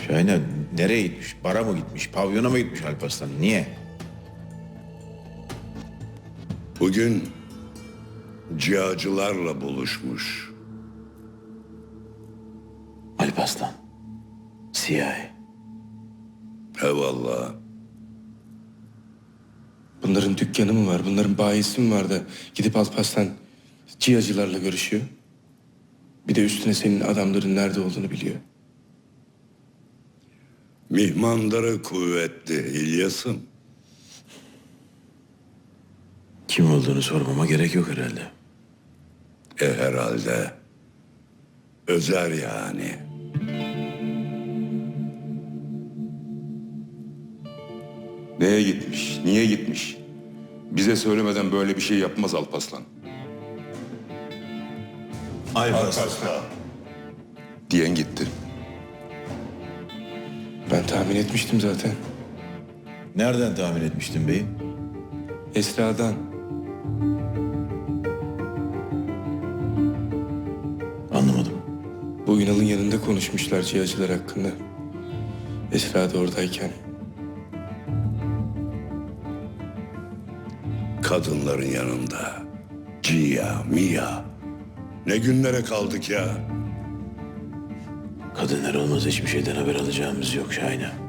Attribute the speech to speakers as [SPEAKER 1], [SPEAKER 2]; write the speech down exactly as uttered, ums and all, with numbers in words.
[SPEAKER 1] Şahine nereye gitmiş? Bara mı gitmiş? Pavyona mı gitmiş Alparslan? Niye?
[SPEAKER 2] Bugün cihacılarla buluşmuş.
[SPEAKER 1] Alparslan. C I A.
[SPEAKER 2] Eyvallah.
[SPEAKER 3] Bunların dükkanı mı var, bunların bayisi mi var da gidip Alparslan cihacılarla görüşüyor? Bir de üstüne senin adamların nerede olduğunu biliyor.
[SPEAKER 2] Mihmandırı kuvvetli İlyas'ım.
[SPEAKER 1] Kim olduğunu sormama gerek yok herhalde.
[SPEAKER 2] E herhalde. Özer yani.
[SPEAKER 4] Neye gitmiş? Niye gitmiş? Bize söylemeden böyle bir şey yapmaz Alparslan.
[SPEAKER 1] Alparslan.
[SPEAKER 4] Diyen gitti.
[SPEAKER 3] Ben tahmin etmiştim zaten.
[SPEAKER 1] Nereden tahmin etmiştin beyim?
[SPEAKER 3] Esra'dan.
[SPEAKER 1] Anlamadım.
[SPEAKER 3] Bu Ünal'ın yanında konuşmuşlar cihacılar hakkında. Esra da oradayken.
[SPEAKER 2] Kadınların yanında. Cia, Mia. Ne günlere kaldık ya.
[SPEAKER 1] Kadınlar olmaz hiçbir şeyden haber alacağımız yok Şahine.